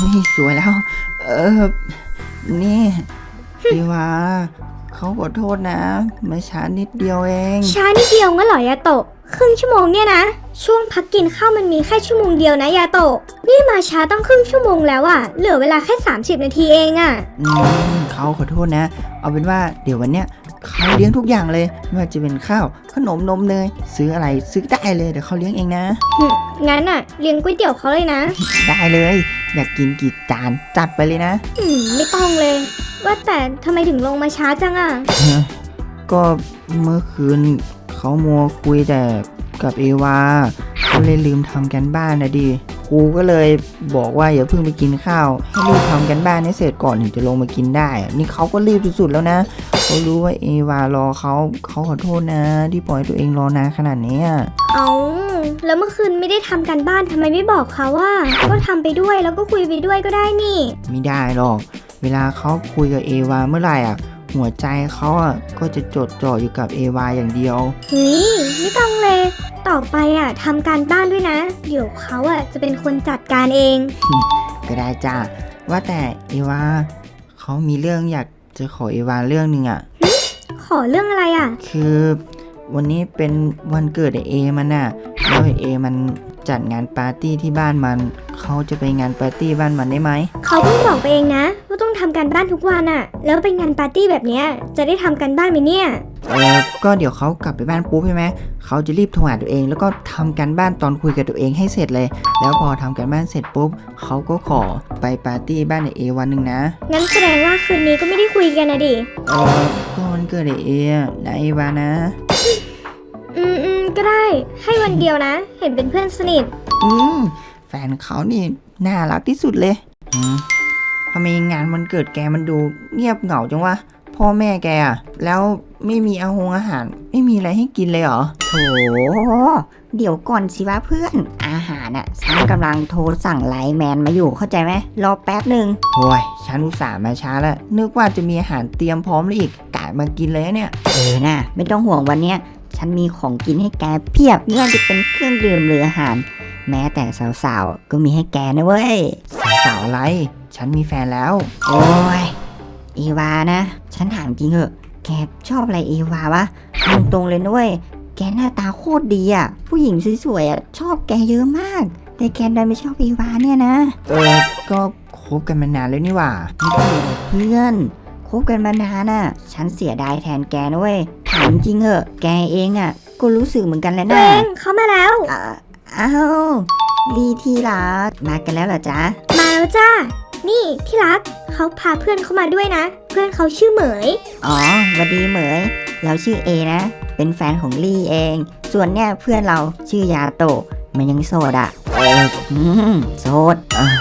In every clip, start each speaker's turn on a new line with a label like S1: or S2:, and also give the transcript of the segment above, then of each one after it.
S1: สวยแล้ว เออ นี่พี่ว่าเขาขอโทษนะมาช้านิดเดียวเอง
S2: ช้านิดเดียวงั้นเหรอยาโตะครึ่งชั่วโมงเนี่ยนะช่วงพักกินข้าวมันมีแค่ชั่วโมงเดียวนะยาโตะนี่มาช้าต้องครึ่งชั่วโมงแล้วอะเหลือเวลาแค่30 นาทีเองอะ
S1: เขาขอโทษนะ เอาเป็นว่าเดี๋ยววันเนี้ยเขาเลี้ยงทุกอย่างเลยไม่ว่าจะเป็นข้าวขนมนมเนยซื้ออะไรซื้อได้เลยเดี๋ยวเขาเลี้ยงเองนะ
S2: งั้นอะเลี้ยงก๋วยเตี๋ยวเขาเลยนะ
S1: ได้เลย อยากกินกี่จานจัดไปเลยนะ
S2: ไม่ต้องเลย ว่าแต่ทำไมถึงลงมาช้าจังอะ
S1: ก็เมื่อคืนเขามัวคุยแต่กับเอวาเขาเลยลืมทำกันบ้านนะดิครูก็เลยบอกว่าอย่าเพิ่งไปกินข้าวให้รีบทำกันบ้านให้เสร็จก่อนถึงจะลงมากินได้อะนี่เขาก็รีบสุดๆแล้วนะเขารู้ว่าเอวารอเขาขอโทษนะที่ปล่อยตัวเองรอนานขนาดนี้อะ
S2: เอาแล้วเมื่อคืนไม่ได้ทำกันบ้านทำไมไม่บอกเขาว่าก็ทำไปด้วยแล้วก็คุยไปด้วยก็ได้นี่
S1: ไม่ได้หรอกเวลาเขาคุยกับเอวาเมื่อไหร่อ่ะหัวใจเขาอ่ะก็จะจดจ่ออยู่กับเอวาอย่างเดียว
S2: ไม่ต้องเลย ต่อไปอะทำการบ้านด้วยนะ เดี๋ยวเขาอะจะเป็นคนจัดการเอง
S1: ก็ได้จ้าว่าแต่เอวาเขามีเรื่องอยากจะขอเอวาเรื่องหนึ่งอ่ะ
S2: ขอเรื่องอะไรอะ
S1: คือวันนี้เป็นวันเกิดไอ้เอมันน่ะแล้วไอ้เอมันจัดงานปาร์ตี้ที่บ้านมันเขาจะไปงานปาร์ตี้บ้านมันได้ไหม
S2: เขาเพิ่งบอกไปเองนะว่าต้องทำการบ้านทุกวันอะแล้วเป็นงานปาร์ตี้แบบเนี้ยจะได้ทำการบ้านไหมเนี่ย
S1: ก็เดี๋ยวเขากลับไปบ้านปุ๊บใช่ไหมเขาจะรีบโทรหาตัวเองแล้วก็ทำการบ้านตอนคุยกับตัวเองให้เสร็จเลย แล้วพอทำการบ้านเสร็จปุ๊บเขาก็ขอไปปาร์ตี้บ้านไอ้เอวันหนึ่งนะ
S2: งั้นแสดงว่าคืนนี้ก็ไม่ได้คุยกันนะดิ
S1: ก็วันเกิดไอ้เออะนะเอวานะ
S2: ก็ได้ให้วันเดียวนะ เห็นเป็นเพื่อนสนิท
S1: แฟนเขานี่น่ารักที่สุดเลยทำไมงานวันเกิดแกมันดูเงียบเหงาจังวะพ่อแม่แกอะแล้วไม่มีอาหารไม่มีอะไรให้กินเลยเหรอ
S3: โถเดี๋ยวก่อนสิวะเพื่อน อาหารน่ะฉันกำลังโทรสั่งไลน์แมนมาอยู่เข้าใจไหมรอแป๊บหนึ่ง
S1: โอ้ยฉันอุตส่าห์มาช้าแล้วนึกว่าจะมีอาหารเตรียมพร้อมแล้วอีกกะมากินเลยนะเนี่ย
S3: น่ะไม่ต้องห่วงวันเนี้ยฉันมีของกินให้แกเพียบไม่ว่าจะเป็นเครื่องดื่มหรืออาหาร แม้แต่สาวๆก็มีให้แกนะเว้ย
S1: สาวอะไร ฉันมีแฟนแล้ว
S3: โอ้ยเอวานะ ฉันถามจริงเหอะแกชอบอะไรเอวาวะเอาตรงๆเลยนะเว้ยแกหน้าตาโคตรดีอ่ะผู้หญิงสวยๆอ่ะชอบแกเยอะมาก แต่แกดันไม่ชอบเอวาเนี่ยนะ
S1: ก็คบกันมานานแล้วนี่หว่า
S3: เพื่อนคบกันมานานน่ะ ฉันเสียดายแทนแกนะเว้ยถามจริงเหอะแกเองอ่ะก็รู้สึกเหมือนกันแหละ
S2: ตัว
S3: นะ
S2: เองเขามาแล้ว
S3: อ้าวลีที่รักมากันแล้วเหรอจ๊ะ
S2: มาแล้วจ้า นี่ที่รักเขาพาเพื่อนเขามาด้วยนะ เพื่อนเขาชื่อเหมย
S3: อ๋อหวัดดีเหมยเราชื่อเอนะ เป็นแฟนของลี่เอง ส่วนเนี่ยเพื่อนเราชื่อยาโตะมันยังโสดอ่ะโสด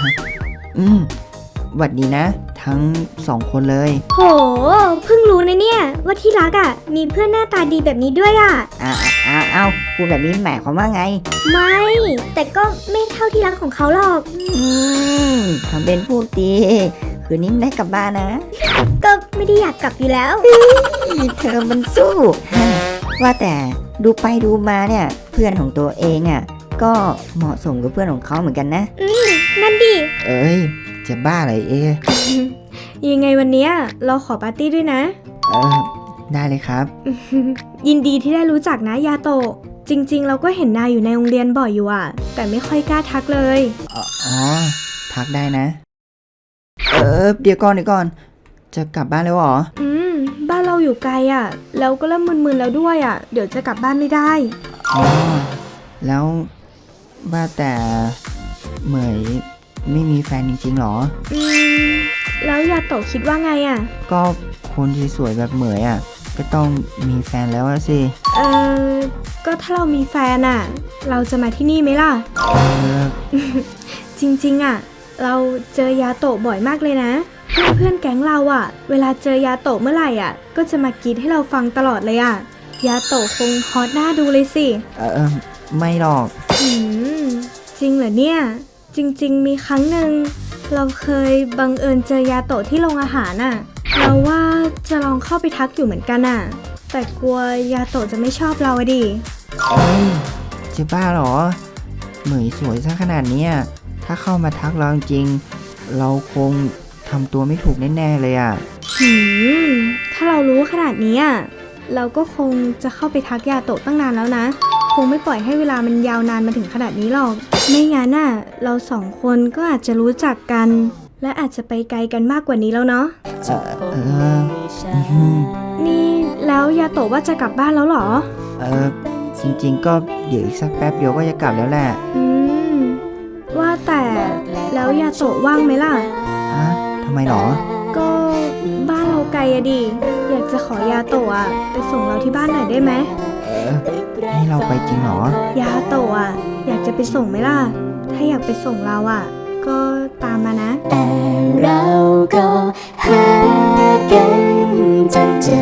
S1: หวัดดีนะ ทั้งสองคนเลย
S2: โห เพิ่งรู้นะเนี่ยว่าที่รักอ่ะมีเพื่อนหน้าตาดีแบบนี้ด้วยอ่ะ
S3: อ้าวพูดแบบนี้หมายความว่าไง
S2: ไม่ แต่ก็ไม่เท่าที่รักของเขาหรอก
S3: ทำเป็นพูดดีคืนนี้ไม่ได้กลับบ้านนะ
S2: ก็ไม่ได้อยากกลับอยู่แล้ว
S3: เธอมันสู้ ว่าแต่ดูไปดูมาเนี่ยเพื่อนของตัวเองอ่ะก็เหมาะสมกับเพื่อนของเขาเหมือนกันนะ
S2: นั่นดิ
S1: เอ้ยจะบ้าอะไรเอ
S2: ยังไงวันเนี้ยเราขอปาร์ตี้ด้วยนะ
S1: ได้เลยครับ
S2: ยินดีที่ได้รู้จักนะยาโตะ จริงๆ เราก็เห็นนายอยู่ในโรงเรียนบ่อยอยู่อ่ะ แต่ไม่ค่อยกล้าทักเลย
S1: อ๋อ ทักได้นะ เดี๋ยวก่อน จะกลับบ้านแล้วเหรอ
S2: บ้านเราอยู่ไกลอ่ะ แล้วก็เริ่มมึนๆแล้วด้วยอ่ะ เดี๋ยวจะกลับบ้านไม่ได้
S1: อ๋อ แล้วว่าแต่เหมยไม่มีแฟนจริงๆหรอ
S2: แล้วยาโตะคิดว่าไงอ่ะ
S1: ก็คนสวยๆแบบเหมยอ่ะ ก็ต้องมีแฟนแล้วอะสิ
S2: ก็ถ้าเรามีแฟนอ่ะ เราจะมาที่นี่ไหมล่ะ จริงๆอ่ะ เราเจอยาโตะบ่อยมากเลยนะ เพื่อนๆแก๊งเราอ่ะ เวลาเจอยาโตะเมื่อไหร่อ่ะ ก็จะมากรีดให้เราฟังตลอดเลยอ่ะ ยาโตะคงฮอตหน้าดูเลยสิ
S1: ไม่หรอก
S2: จริงเหรอเนี่ย จริงๆมีครั้งหนึ่งเราเคยบังเอิญเจอยาโตะที่โรงอาหารน่ะ เราว่าจะลองเข้าไปทักอยู่เหมือนกันน่ะ แต่กลัวยาโตะจะไม่ชอบเราอะดิ
S1: จะบ้าเหรอ เหมยสวยซะขนาดเนี้ยถ้าเข้ามาทักเราจริงเราคงทำตัวไม่ถูกแน่ๆเลยอ่ะ
S2: หืม ถ้าเรารู้ขนาดนี้อ่ะ เราก็คงจะเข้าไปทักยาโตะตั้งนานแล้วนะ คงไม่ปล่อยให้เวลามันยาวนานมาถึงขนาดนี้หรอก ไม่งั้นน่ะ เราสองคนก็อาจจะรู้จักกัน และอาจจะไปไกลกันมากกว่านี้แล้วเนาะ นี่แล้วยาโตะว่าจะกลับบ้านแล้วเหรอ
S1: จริงๆก็เดี๋ยวอีกสักแป๊บเดียวก็จะกลับแล้วแหละ
S2: อืม ว่าแต่แล้วยาโตะว่างไหมล่ะ
S1: ฮะทำไมหรอ
S2: ก็บ้านเราไกลอะดิ อยากจะขอยาโตะอะไปส่งเราที่บ้านหน่อยได้ไหม
S1: ให้เราไปจริงเหรอ
S2: ยาโตะอะอยากจะไปส่งไหมล่ะ ถ้าอยากไปส่งเราอะก็ตามมานะ
S4: แต่เราก็หากันจนเจอ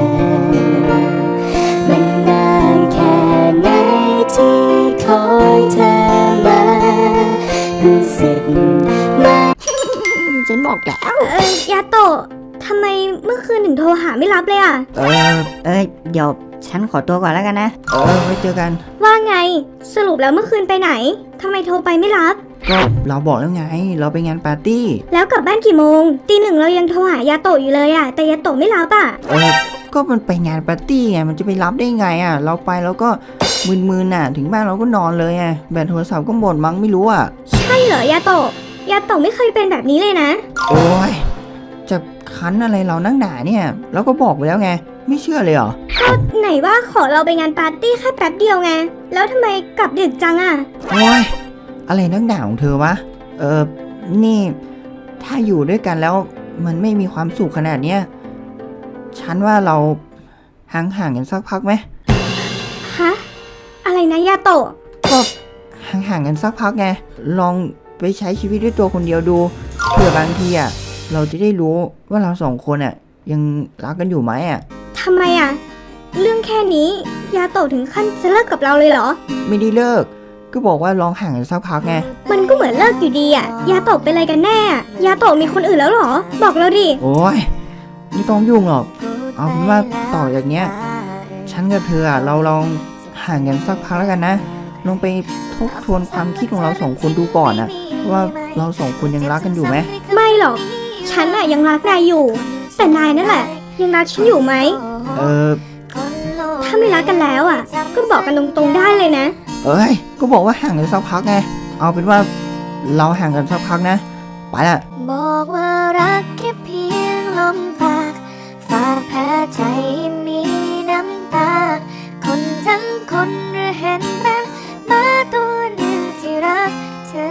S4: มันนานแค่ไหนที่คอยเธอมารู้สึกมา
S3: ฉันบอกแล้ว
S2: ยาโตะทำไมเมื่อคืนถึงโทรหาไม่รับเลยอะ
S3: เดี๋ยวฉันขอตัวก่อนแล้วกันนะ
S1: ไว้เจอกัน
S2: ว่าไง สรุปแล้วเมื่อคืนไปไหนทำไมโทรไปไม่รับ
S1: ก็เราบอกแล้วไง เราไปงานปาร์ตี้
S2: แล้วกลับบ้านกี่โมงตีหนึ่งเรายังโทรหายาโตะอยู่เลยอะแต่ยาโตะไม่รับอะ
S1: ก็มันไปงานปาร์ตี้ไง มันจะไปรับได้ไงอ่ะ เราไปแล้วก็มึนๆน่ะ ถึงบ้านเราก็นอนเลยไง แบตโทรศัพท์ก็หมดมั้งไม่รู้อ่ะ
S2: ใช่เหรอยาโตะยาโตะไม่เคยเป็นแบบนี้เลยนะ
S1: โอ้ย จะคันอะไรเรานั่งหนาเนี่ย เราก็บอกไปแล้วไง ไม่เชื่อเลยเหรอ
S2: ไหนว่าขอเราไปงานปาร์ตี้แค่แป๊บเดียวไง แล้วทำไมกลับดึกจังอะ
S1: โอ้ย อะไรนักหนาของเธอวะ นี่ ถ้าอยู่ด้วยกันแล้วมันไม่มีความสุขขนาดเนี้ย ฉันว่าเราห่างกันสักพักไหม
S2: ฮะ อะไรนะยาโตะ
S1: ก็ห่างกันสักพักไง ลองไปใช้ชีวิตด้วยตัวคนเดียวดู เผื่อบางทีอ่ะ เราจะได้รู้ว่าเราสองคนอ่ะ ยังรักกันอยู่ไหมอ่ะ
S2: ทำไมอะเรื่องแค่นี้ยาโตะถึงขั้นจะเลิกกับเราเลยเหรอ
S1: ไม่ได้เลิก ก็บอกว่าลองห่างกันสักพักไง
S2: มันก็เหมือนเลิกอยู่ดีอะยาโตะเป็นอะไรกันแน่อะยาโตะมีคนอื่นแล้วเหรอ บอกเราดิ
S1: โอ้ยไม่ต้องยุ่งหรอก เอาเป็นว่าต่อจากเนี้ย ฉันกับเธออ่ะ เราลองห่างกันสักพักแล้วกันนะ ลองไปทบทวนความคิดของเราสองคนดูก่อนนะว่าเราสองคนยังรักกันอยู่ไหม
S2: ไม่หรอก ฉันอะยังรักนายอยู่ แต่นายนั่นแหละ ยังรักฉันอยู่ไหม ถ้าไม่รักกันแล้วอะก็บอกกันตรงๆได้เลยนะ
S1: ก็บอกว่าห่างกันสักพักไง เอาเป็นว่าเราห่างกันสักพักนะ ไปละ
S4: บอกว่ารักแค่เพียงลมปากฝากแผลใจให้มีน้ำตา คนทั้งคนหรือเห็นเป็นหมาตัวหนึ่งที่รักเธอ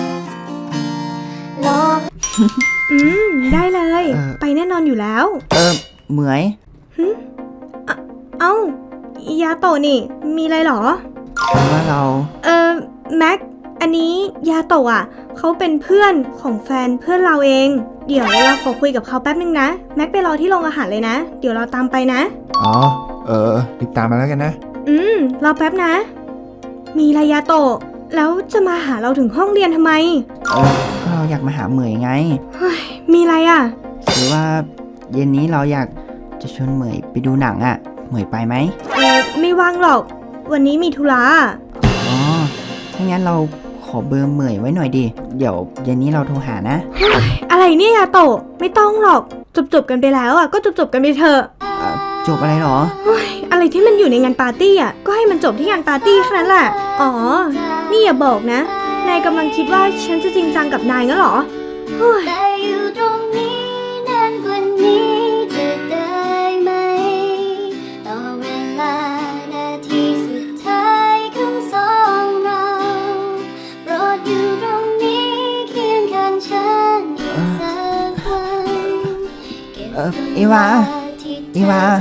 S4: ลอง
S2: ได้เลย
S1: เออ
S2: ไปแน่นอนอยู่แล้ว
S1: เหมย
S2: เอ้า ยาโตะนี่ มีอะไรเหรอ
S1: คือว่าเรา
S2: แม็ก อันนี้ยาโตะอ่ะเขาเป็นเพื่อนของแฟนเพื่อนเราเอง เดี๋ยวเราขอคุยกับเขาแป๊บนึงนะ แม็กไปรอที่โรงอาหารเลยนะ เดี๋ยวเราตามไปนะ
S5: อ๋อ รีบตามมาแล้วกันนะ
S2: รอแป๊บนะ มีอะไรยาโตะแล้วจะมาหาเราถึงห้องเรียนทำไม
S1: ก็เราอยากมาหาเหมยไง
S2: มีอะไรอ่ะ
S1: หรือว่าเย็นนี้เราอยากจะชวนเหมยไปดูหนังอ่ะ เหมยไปไหม
S2: ไม่ว่างหรอก วันนี้มีธุระ
S1: อ๋อ ถ้างั้นเราขอเบอร์เหมยไว้หน่อยดิ เดี๋ยวเย็นนี้เราโทรหานะ
S2: อะไรเนี่ยยาโตะไม่ต้องหรอก จบกันไปแล้วอ่ะก็จบกันไปเถอะ
S1: จบอะไรหรอ
S2: อะไรที่มันอยู่ในงานปาร์ตี้อ่ะ ก็ให้มันจบที่งานปาร์ตี้แค่นั้นแหละ อ๋อ นี่อย่าบอกนะ นายกำลังคิดว่าฉันจะจริงจังกับนายงั้นเหรอ
S4: แต่อยู่ตรงนี้นานกว่านี้จะได้ไหมต่อเวลานาทีสุดท้ายของสองเราโปรดอยู่ตรงนี้เคียงข้างฉันอีกสักวันเก็บ
S1: เอวา เอวา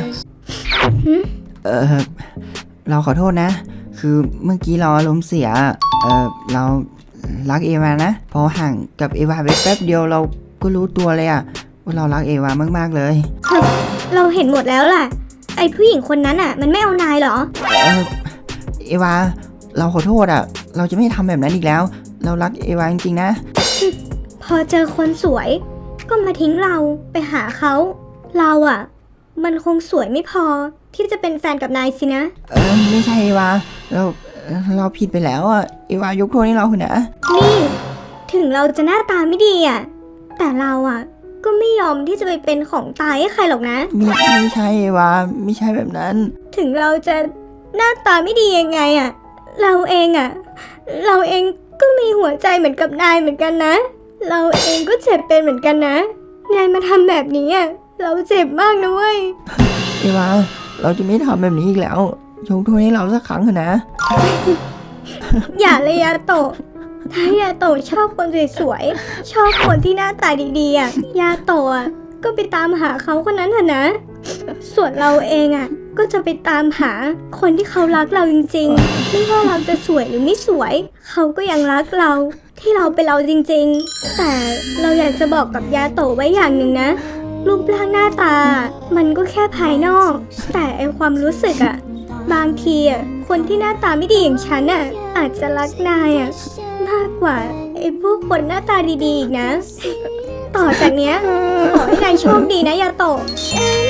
S1: เราขอโทษนะ คือเมื่อกี้เราอารมณ์เสีย เรารักเอวานะ พอห่างกับเอวาไปแป๊บเดียวเราก็รู้ตัวเลยอะว่าเรารักเอวามากๆเลย
S2: เราเห็นหมดแล้วแหละ ไอ้ผู้หญิงคนนั้นอ่ะ มันไม่เอานายเหรอ
S1: เอวา เราขอโทษอะเราจะไม่ทำแบบนั้นอีกแล้ว เรารักเอวาจริงๆนะ
S2: พอเจอคนสวย ก็มาทิ้งเราไปหาเขา เราอ่ะ มันคงสวยไม่พอที่จะเป็นแฟนกับนายสินะ
S1: ไม่ใช่เอวา เราผิดไปแล้วอะเอวายกโทษให้เราเถอะนะ
S2: นี่ ถึงเราจะหน้าตาไม่ดีอ่ะแต่เราอ่ะก็ไม่ยอมที่จะไปเป็นของตายให้ใครหรอกนะ
S1: ไม่ใช่เอวาไม่ใช่แบบนั้น
S2: ถึงเราจะหน้าตาไม่ดียังไงอ่ะ เราเองก็มีหัวใจเหมือนกับนายเหมือนกันนะ เราเองก็เจ็บเป็นเหมือนกันนะ นายมาทำแบบนี้อ่ะ เราเจ็บมากนะเว้ย
S1: เอวาเราจะไม่ทำแบบนี้อีกแล้วยกโทษให้เราสักครั้งเถอะนะ
S2: อย่าเลยยาโตะ ถ้ายาโตะชอบคนสวยๆ ชอบคนที่หน้าตาดีๆอ่ะ ยาโตะอ่ะก็ไปตามหาเขาคนนั้นเถอะนะ ส่วนเราเองอ่ะก็จะไปตามหาคนที่เขารักเราจริงๆ ไม่ว่าเราจะสวยหรือไม่สวย เขาก็ยังรักเราที่เราเป็นเราจริงๆ แต่เราอยากจะบอกกับยาโตะไว้อย่างหนึ่งนะ รูปร่างหน้าตา มันก็แค่ภายนอก แต่ไอความรู้สึกอ่ะ บางทีอ่ะคนที่หน้าตาไม่ดีอย่างฉันอ่ะอาจจะรักนายอ่ะมากกว่าไอพวกคนหน้าตาดีๆอีกนะ ต่อจากเนี้ยขอให้นายโชคดีนะยาโตะ
S4: ฉัน